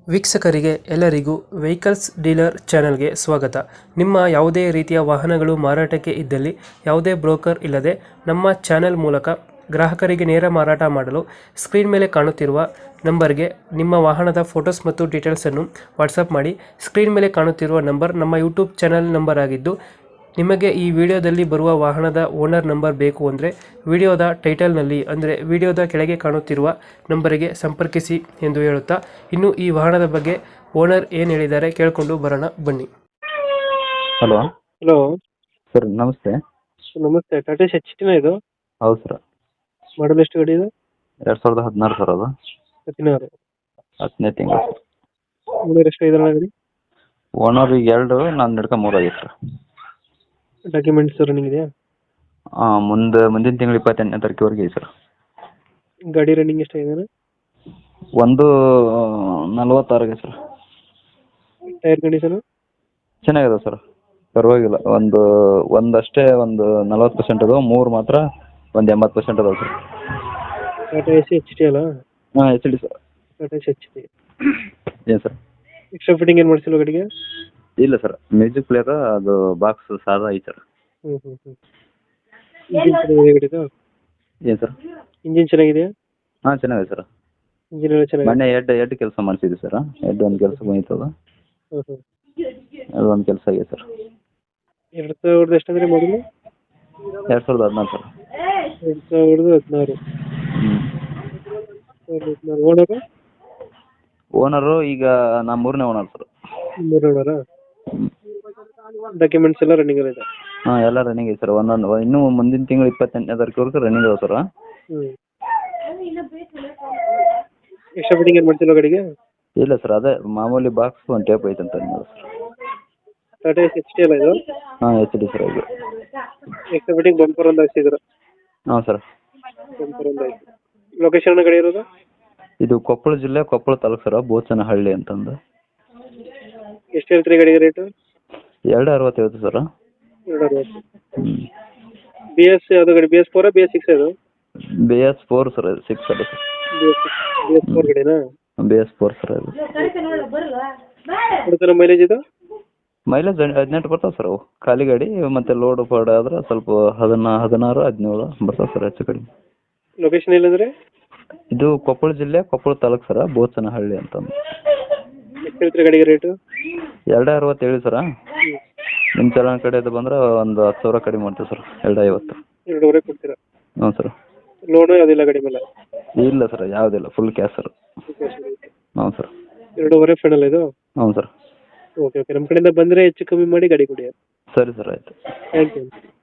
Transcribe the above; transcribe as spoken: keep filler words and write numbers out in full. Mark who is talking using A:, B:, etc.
A: ವೀಕ್ಷಕರಿಗೆ ಎಲ್ಲರಿಗೂ vehicles dealer ಚಾನೆಲ್ಗೆ ಸ್ವಾಗತ. ನಿಮ್ಮ ಯಾವುದೇ ರೀತಿಯ ವಾಹನಗಳು ಮಾರಾಟಕ್ಕೆ ಇದ್ದಲ್ಲಿ ಯಾವುದೇ ಬ್ರೋಕರ್ ಇಲ್ಲದೆ ನಮ್ಮ ಚಾನೆಲ್ ಮೂಲಕ ಗ್ರಾಹಕರಿಗೆ ನೇರ ಮಾರಾಟ ಮಾಡಲು ಸ್ಕ್ರೀನ್ ಮೇಲೆ ಕಾಣುತ್ತಿರುವ ನಂಬರ್ಗೆ ನಿಮ್ಮ ವಾಹನದ ಫೋಟೋಸ್ ಮತ್ತು ಡೀಟೇಲ್ಸನ್ನು ವಾಟ್ಸಪ್ ಮಾಡಿ. ಸ್ಕ್ರೀನ್ ಮೇಲೆ ಕಾಣುತ್ತಿರುವ ನಂಬರ್ ನಮ್ಮ ಯೂಟ್ಯೂಬ್ ಚಾನೆಲ್ ನಂಬರ್ ಆಗಿದ್ದು, ನಿಮಗೆ ಈ ವಿಡಿಯೋದಲ್ಲಿ ಬರುವ ವಾಹನದ ಓನರ್ ನಂಬರ್ ಬೇಕು ಅಂದರೆ ವಿಡಿಯೋದ ಟೈಟಲ್ನಲ್ಲಿ ಅಂದರೆ ವಿಡಿಯೋದ ಕೆಳಗೆ ಕಾಣುತ್ತಿರುವ ನಂಬರಿಗೆ ಸಂಪರ್ಕಿಸಿ ಎಂದು ಹೇಳುತ್ತಾ, ಇನ್ನು ಈ ವಾಹನದ ಬಗ್ಗೆ ಓನರ್ ಏನು ಹೇಳಿದ್ದಾರೆ ಕೇಳಿಕೊಂಡು ಬರೋಣ ಬನ್ನಿ.
B: ಹಲೋ
A: ಹಲೋ
B: ಸರ್, ನಮಸ್ತೆ.
A: ನಮಸ್ತೆ. ಟಾಟಾ ಎಚ್ ಟಿನ ಇದು?
B: ಹೌದು ಸರ್.
A: ಮಾಡಲ್ ಎಷ್ಟು ಗಾಡಿ ಇದು?
B: ಎರಡು ಸಾವಿರದ ಹದಿನಾರು ಸರ್. ಅದು
A: ಹದಿನಾರು
B: ಹತ್ತನೇ ತಿಂಗಳು.
A: ಓನರ್ ಎಷ್ಟು ಐದರ ಗಾಡಿ?
B: ಓನರ್ ಈಗ ಎರಡು, ನಾನು ನಡ್ಕ ಮೂರು ಆಗೈತೆ ಸರ್.
A: ಡಾಕ್ಯುಮೆಂಟ್ಸ್ ರನ್ನಿಂಗ್ ಇದೆಯಾ?
B: ಹಾಂ, ಮುಂದೆ ಮುಂದಿನ ತಿಂಗಳು ಇಪ್ಪತ್ತೆಂಟನೇ ತಾರೀಕುವರೆಗೆ ಇದೆ ಸರ್.
A: ಗಾಡಿ ರನ್ನಿಂಗ್ ಎಷ್ಟಾಗಿದೆ?
B: ಒಂದು ನಲ್ವತ್ತಾರಿಗೆ ಸರ್.
A: ಟೈರ್ ಕಂಡೀಷನ್
B: ಚೆನ್ನಾಗಿದೆ ಸರ್, ಪರವಾಗಿಲ್ಲ. ಒಂದು ಒಂದಷ್ಟೇ ಒಂದು ನಲ್ವತ್ತು ಪರ್ಸೆಂಟ್ ಅದು, ಮೂರು ಮಾತ್ರ ಒಂದು ಎಂಬತ್ತು ಪರ್ಸೆಂಟ್ ಅದಾವೆ sir.
A: Tata ace H T ಅಲ್ಲ?
B: ಹಾಂ, H D sir.
A: Tata ace H T.
B: ಏನು ಸರ್?
A: ಎಕ್ಸ್ಟ್ರಾ ಫಿಟ್ಟಿಂಗ್ ಏನು ಮಾಡಿಸಿಲ್ಲ ಗಾಡಿಗೆ?
B: ಇಲ್ಲ ಸರ್, ಮ್ಯೂಸಿಕ್ ಪ್ಲೇಯರ್ ಅದು ಬಾಕ್ಸ್ ಸಾದಾ ಐತೆ ಸರ್.
A: ಹ್ಞೂ ಹ್ಞೂ ಹ್ಞೂ ಇಂಜಿನ್ ಚೆನ್ನಾಗಿದೆ ಗಾಡಿದು?
B: ಏನು ಸರ್?
A: ಇಂಜಿನ್ ಚೆನ್ನಾಗಿದೆಯಾ?
B: ಹಾಂ, ಚೆನ್ನಾಗಿದೆ ಸರ್.
A: ಇಂಜಿನ್ ಎಲ್ಲ ಚೆನ್ನಾಗಿದೆ?
B: ಮೊನ್ನೆ ಎರಡು ಎರಡು ಕೆಲಸ ಮಾಡಿಸಿದ್ವಿ ಸರ್. ಎರಡು ಒಂದು ಕೆಲಸ ಬಂದಿತ್ತದ,
A: ಹ್ಞೂ ಹ್ಞೂ
B: ಅದು ಒಂದು ಕೆಲಸ ಆಗಿದೆ ಸರ್.
A: ಎರಡು ಸಾವಿರದ ಎಷ್ಟಂದ್ರೆ ಮಾಡಲು?
B: ಎರಡು ಸಾವಿರದ ಹದಿನಾರು ಸರ್.
A: ಎರಡು ಸಾವಿರದ ಹದಿನಾರು.
B: ಹ್ಞೂ.
A: ಓನರು?
B: ಓನರು ಈಗ ನಾ ಮೂರನೇ ಓನರ್ ಸರ್.
A: ಮೂರು ಓನರಾ? ಡಾಕ್ಯುಮೆಂಟ್ಸ್ ಎಲ್ಲ ರನ್ನಿಂಗ್ ಇದೆ?
B: ಹಾಂ, ಎಲ್ಲ ರನ್ನಿಂಗ್ ಐತೆ ಸರ್. ಒಂದೊಂದು ಇನ್ನೂ ಮುಂದಿನ ತಿಂಗಳು ಇಪ್ಪತ್ತೆಂಟನೇ ತಾರೀಕುವರೆಗೂ ರನ್ನಿಂಗ್ ಅದಾವೆ ಸರ್.
A: ಹ್ಞೂ. ಎಕ್ಸ್ಟ್ರಾ ಫಿಟ್ಟಿಂಗ್ ಏನು ಮಾಡ್ತಿಲ್ಲ ಗಾಡಿಗೆ?
B: ಇಲ್ಲ ಸರ್, ಅದೇ ಮಾಮೂಲಿ ಬಾಕ್ಸ್ ಒಂದು ಟೇಪ್ ಐತೆ ಅಂತ sir.
A: Tata ace H T ಅಲ್ಲ ಇದು?
B: ಹಾಂ, ಎಚ್ ಡಿ ಸರ್. ಇದು
A: ಎಕ್ಸ್ಟ್ರಾ ಫಿಟ್ಟಿಂಗ್ ಬಂಪರ್ ಒಂದು ಹಾಕ್ಸಿದ್ರು?
B: ಹಾಂ ಸರ್.
A: ಬಂಪರ್ ಒಂದು ಆಯ್ತು. ಲೊಕೇಶನ್ ಗಾಡಿ ಇರೋದು?
B: ಇದು ಕೊಪ್ಪಳ ಜಿಲ್ಲೆ, ಕೊಪ್ಪಳ ತಾಲೂಕು ಸರ್, ಬೋಚನಹಳ್ಳಿ ಅಂತಂದು.
A: ಎಷ್ಟು ಹೇಳ್ತೀರಿ ಗಾಡಿಗೆ ರೇಟು?
B: ಎರಡು ಅರವತ್ತು ಹೇಳ್ತೀವಿ ಸರ್.
A: ಎರಡು ಅರವತ್ತು.
B: ಹ್ಞೂ.
A: ಬಿ ಎಸ್ ಯಾವುದು ಗಾಡಿ? ಬಿ ಎಸ್ ಫೋರಾ ಬಿ ಎಸ್ ಸಿಕ್ಸ್ ಅದು?
B: ಬಿ ಎಸ್ ಫೋರ್ ಸರ್, ಇದು ಸಿಕ್ಸ್ ಅಲ್ಲ sir.
A: B S B S four ಗಾಡಿನಾ?
B: B S four sir. ಅದು
A: ಕೊಡ್ತಾರ ಮೈಲೇಜ್ ಇದು?
B: ಮೈಲೇಜ್ ಹದಿನೆಂಟು ಬರ್ತಾವೆ ಸರ್. ಅವು ಖಾಲಿ ಗಾಡಿ ಮತ್ತು ಲೋಡ್ ಪಾಡ್ ಆದ್ರೆ ಸ್ವಲ್ಪ ಹದಿನಾ ಹದಿನಾರು ಹದಿನೇಳು ಬರ್ತಾವೆ ಸರ್, ಹೆಚ್ಚು ಕಡಿಮೆ.
A: ಲೊಕೇಶನ್ ಇಲ್ಲಂದ್ರೆ?
B: ಇದು ಕೊಪ್ಪಳ ಜಿಲ್ಲೆ, ಕೊಪ್ಪಳ ತಾಲೂಕು ಸರ, ಬೋಚನಹಳ್ಳಿ ಅಂತಂದು.
A: ಎಷ್ಟು ಹೇಳ್ತೀರಿ ಗಾಡಿಗೆ ರೇಟು?
B: ಎರಡು ಅರವತ್ತು ಹೇಳಿ ಸರ. ನಿಮ್ಮ ಚಲನ ಕಡೆದು ಬಂದ್ರೆ ಒಂದು ಹತ್ತು ಸಾವಿರ ಕಡಿಮೆ ಮಾಡ್ತೀವಿ ಸರ್. ಎರಡು ಐವತ್ತು.
A: ಎರಡೂವರೆ ಕೊಡ್ತೀರಾ?
B: ಹ್ಞೂ ಸರ್.
A: ಲೋನು ಯಾವುದಿಲ್ಲ ಗಾಡಿ ಮೇಲೆ?
B: ಇಲ್ಲ ಸರ್, ಯಾವುದಿಲ್ಲ, ಫುಲ್ ಕ್ಯಾಶ್ ಸರ್. ಹ್ಞೂ ಸರ್.
A: ಎರಡೂವರೆ ಫೈನಲ್ ಇದು?
B: ಹ್ಞೂ ಸರ್.
A: ಓಕೆ ಓಕೆ, ನಮ್ಮ ಕಡೆಯಿಂದ ಬಂದರೆ ಹೆಚ್ಚು ಕಮ್ಮಿ ಮಾಡಿ ಗಾಡಿ ಕೊಡಿ.
B: ಸರಿ ಸರ್, ಆಯಿತು.
A: Thank you.